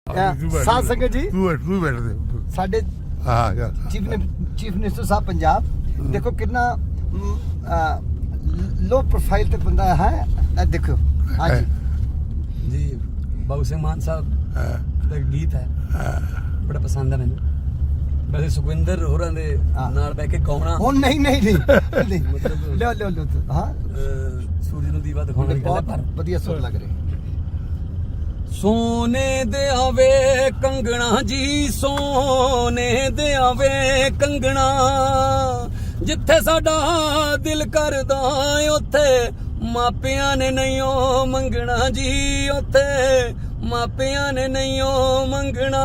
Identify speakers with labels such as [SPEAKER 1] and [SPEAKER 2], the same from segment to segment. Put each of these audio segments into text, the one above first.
[SPEAKER 1] ਸਾਧ ਸੰਗਤ ਜੀ
[SPEAKER 2] ਤੂੰ ਬੈਠ ਦੇ
[SPEAKER 1] ਸਾਡੇ
[SPEAKER 2] ਹਾਂ
[SPEAKER 1] ਚੀਫ ਮਿਨਿਸਟਰ ਸਾਹਿਬ ਪੰਜਾਬ ਦੇਖੋ ਕਿੰਨਾ ਲੋ ਪ੍ਰੋਫਾਈਲ ਤੇ ਬੰਦਾ ਹੈ ਇਹ ਦੇਖੋ ਹਾਂਜੀ
[SPEAKER 3] जी बाबू सिंह मान साहब ਦਾ ਗੀਤ ਹੈ ਬੜਾ ਪਸੰਦ ਹੈ ਮੈਨੂੰ ਵੈਸੇ ਸੁਖਵਿੰਦਰ ਹੋਰਾਂ ਦੇ ਨਾਲ ਬਹਿ ਕੇ ਕੌਣਾ
[SPEAKER 1] ਹੁਣ ਨਹੀਂ ਲਿਓ ਹਾਂ
[SPEAKER 3] ਸੂਰਜ ਨੂੰ ਦੀਵਾ ਦਿਖਾਉਣ ਦੀ ਗੱਲ ਹੈ ਪਰ
[SPEAKER 1] ਵਧੀਆ ਸੁਰ ਲੱਗ ਰਹੀ
[SPEAKER 3] ਸੋਨੇ ਦੇ ਆਵੇ ਕੰਗਣਾ ਜੀ ਸੋਨੇ ਦੇ ਆਵੇ ਕੰਗਣਾ ਜਿੱਥੇ ਸਾਡਾ ਦਿਲ ਕਰਦਾ ਉੱਥੇ ਮਾਪਿਆਂ ਨੇ ਨਹੀਂਓ ਮੰਗਣਾ ਜੀ ਉੱਥੇ ਮਾਪਿਆਂ ਨੇ ਨਹੀਂਓ ਮੰਗਣਾ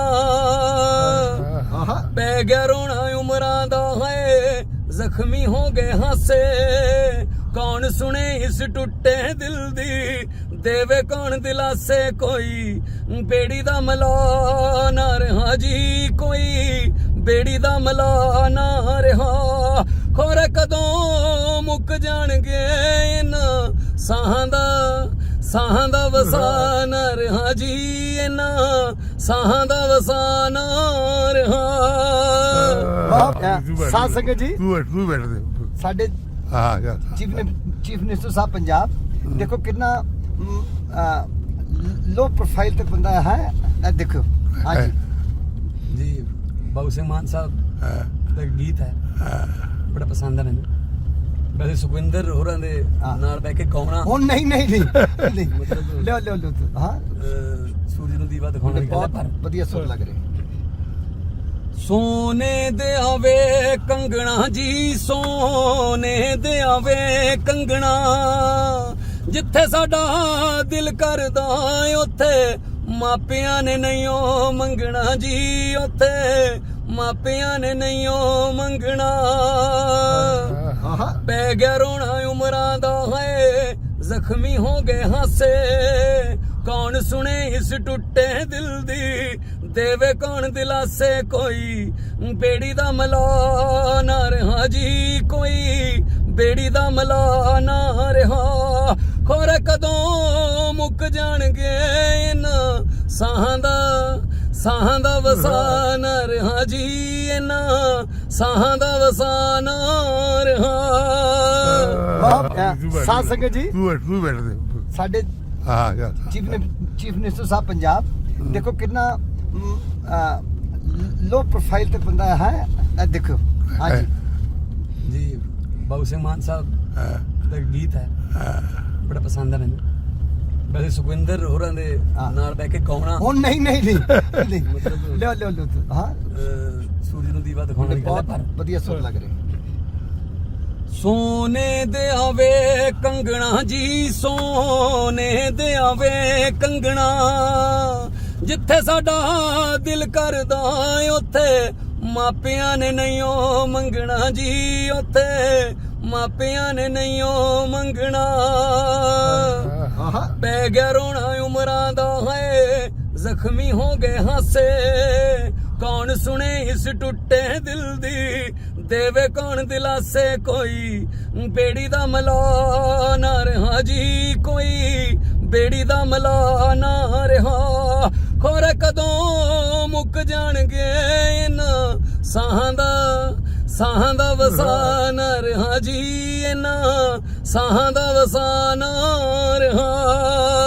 [SPEAKER 3] ਪੈ ਗਿਆ ਰੋਣਾ ਉਮਰਾਂ ਦਾ ਹੈ ਜ਼ਖਮੀ ਹੋ ਗਏ ਹਾਸੇ ਕੌਣ ਸੁਣੇ ਇਸ ਟੁੱਟੇ ਦਿਲ ਦੀ ਦੇਵੇ ਕੌਣ ਦਿਲਾਸੇ ਕੋਈ ਬੇੜੀ ਦਾ ਮਲਾ ਨਾ ਰਹਾ ਜੀ ਕੋਈ ਬੇੜੀ ਦਾ ਮਲਾ ਨਾ ਰਹਾ ਖੋਰੇ ਕਦੋਂ ਮੁੱਕ ਜਾਣਗੇ ਇਹਨਾਂ ਸਾਹਾਂ ਦਾ ਵਸਾ ਨਾ ਰਹਾ ਜੀ ਇਹਨਾਂ ਸਾਹਾਂ ਦਾ ਵਸਾ ਨਾ ਰਹਾ
[SPEAKER 1] ਸਾਧ ਸੰਗਤ ਜੀ
[SPEAKER 2] ਤੂੰ ਬੈਠ ਦੇ
[SPEAKER 1] ਸਾਡੇ
[SPEAKER 2] ਹਾਂ
[SPEAKER 1] ਚੀਫ ਮਿਨਿਸਟਰ ਸਾਹਿਬ ਪੰਜਾਬ ਦੇਖੋ ਕਿੰਨਾ ਲੋ ਪ੍ਰੋਫਾਈਲ ਤੇ ਬੰਦਾ ਹੈ ਇਹ ਦੇਖੋ ਹਾਂਜੀ
[SPEAKER 3] ਜੀ ਬਾਬੂ ਸਿੰਘ ਮਾਨ ਸਾਹਿਬ ਦਾ ਗੀਤ ਹੈ ਬੜਾ ਪਸੰਦ ਹੈ ਮੈਨੂੰ ਵੈਸੇ ਸੁਖਵਿੰਦਰ ਹੋਰਾਂ ਦੇ ਨਾਲ ਬਹਿ ਕੇ ਕੌਣਾ
[SPEAKER 1] ਹੁਣ ਨਹੀਂ ਲਿਓ ਹਾਂ
[SPEAKER 3] ਸੂਰਜ ਨੂੰ ਦੀਵਾ ਦਿਖਾਉਣ ਦੀ ਗੱਲ ਹੈ ਪਰ
[SPEAKER 1] ਵਧੀਆ ਸੁਰ ਲੱਗ ਰਹੀ
[SPEAKER 3] ਸੋਨੇ ਦੇ ਆਵੇ ਕੰਗਣਾ ਜੀ ਸੋਨੇ ਦੇ ਆਵੇ ਕੰਗਣਾ ਜਿੱਥੇ ਸਾਡਾ ਦਿਲ ਕਰਦਾ ਉੱਥੇ ਮਾਪਿਆਂ ਨੇ ਨਹੀਂਓ ਮੰਗਣਾ ਜੀ ਉੱਥੇ ਮਾਪਿਆਂ ਨੇ ਨਹੀਂਓ ਮੰਗਣਾ ਪੈ ਗਿਆ ਰੋਣਾ ਉਮਰਾਂ ਦਾ ਹੈ ਜ਼ਖਮੀ ਹੋ ਗਏ ਹਾਸੇ ਕੌਣ ਸੁਣੇ ਇਸ ਟੁੱਟੇ ਦਿਲ ਦੀ ਦੇਵੇ ਕੌਣ ਦਿਲਾਸੇ ਕੋਈ ਬੇੜੀ ਦਾ ਮਲਾ ਨਾ ਰਹਾ ਜੀ ਕੋਈ ਬੇੜੀ ਦਾ ਮਲਾ ਨਾ ਰਹਾ ਖੋਰੇ ਕਦੋਂ ਮੁੱਕ ਜਾਣਗੇ ਇਹਨਾਂ ਸਾਹਾਂ ਦਾ ਵਸਾ ਨਾ ਰਹਾ ਜੀ ਇਹਨਾਂ ਸਾਹਾਂ ਦਾ ਵਸਾ ਨਾ ਰਹਾ
[SPEAKER 1] ਸਾਧ ਸੰਗਤ ਜੀ
[SPEAKER 2] ਤੂੰ ਬੈਠ ਦੇ
[SPEAKER 1] ਸਾਡੇ
[SPEAKER 2] ਹਾਂ
[SPEAKER 1] ਚੀਫ ਮਿਨਿਸਟਰ ਸਾਹਿਬ ਪੰਜਾਬ ਦੇਖੋ ਕਿੰਨਾ ਲੋ ਪ੍ਰੋਫਾਈਲ ਤੇ ਬੰਦਾ ਹੈ ਇਹ ਦੇਖੋ ਹਾਂਜੀ
[SPEAKER 3] ਜੀ ਬਾਬੂ ਸਿੰਘ ਮਾਨ ਸਾਹਿਬ ਦਾ ਗੀਤ ਹੈ ਬੜਾ ਪਸੰਦ ਹੈ ਮੈਨੂੰ ਵੈਸੇ ਸੁਖਵਿੰਦਰ ਹੋਰਾਂ ਦੇ ਨਾਲ ਬਹਿ ਕੇ ਕੌਣਾ
[SPEAKER 1] ਹੁਣ ਨਹੀਂ ਲਿਓ ਹਾਂ
[SPEAKER 3] ਸੂਰਜ ਨੂੰ ਦੀਵਾ ਦਿਖਾਉਣ ਦੀ ਗੱਲ ਹੈ ਪਰ
[SPEAKER 1] ਵਧੀਆ ਸੁਰ ਲੱਗ ਰਹੀ
[SPEAKER 3] ਸੋਨੇ ਦੇ ਆਵੇ ਕੰਗਣਾ ਜੀ ਸੋਨੇ ਦੇ ਆਵੇ ਕੰਗਣਾ ਜਿੱਥੇ ਸਾਡਾ ਦਿਲ ਕਰਦਾ ਉੱਥੇ ਮਾਪਿਆਂ ਨੇ ਨਹੀਂਓ ਮੰਗਣਾ ਜੀ ਉੱਥੇ ਮਾਪਿਆਂ ਨੇ ਨਹੀਂਓ ਮੰਗਣਾ ਪੈ ਗਿਆ ਰੋਣਾ ਉਮਰਾਂ ਦਾ ਹੈ ਜ਼ਖਮੀ ਹੋ ਗਏ ਹਾਸੇ ਕੌਣ ਸੁਣੇ ਇਸ ਟੁੱਟੇ ਦਿਲ ਦੀ ਦੇਵੇ ਕੌਣ ਦਿਲਾਸੇ ਕੋਈ ਬੇੜੀ ਦਾ ਮਲਾ ਨਾ ਰਹਾ ਜੀ ਕੋਈ ਬੇੜੀ ਦਾ ਮਲਾ ਨਾ ਰਹਾ ਖੋਰੇ ਕਦੋਂ ਮੁੱਕ ਜਾਣਗੇ ਇਹਨਾਂ ਸਾਹਾਂ ਦਾ ਵਸਾ ਨਾ ਰਹਾ ਜੀ ਇਹਨਾਂ ਸਾਹਾਂ ਦਾ ਵਸਾ ਨਾ ਰਹਾ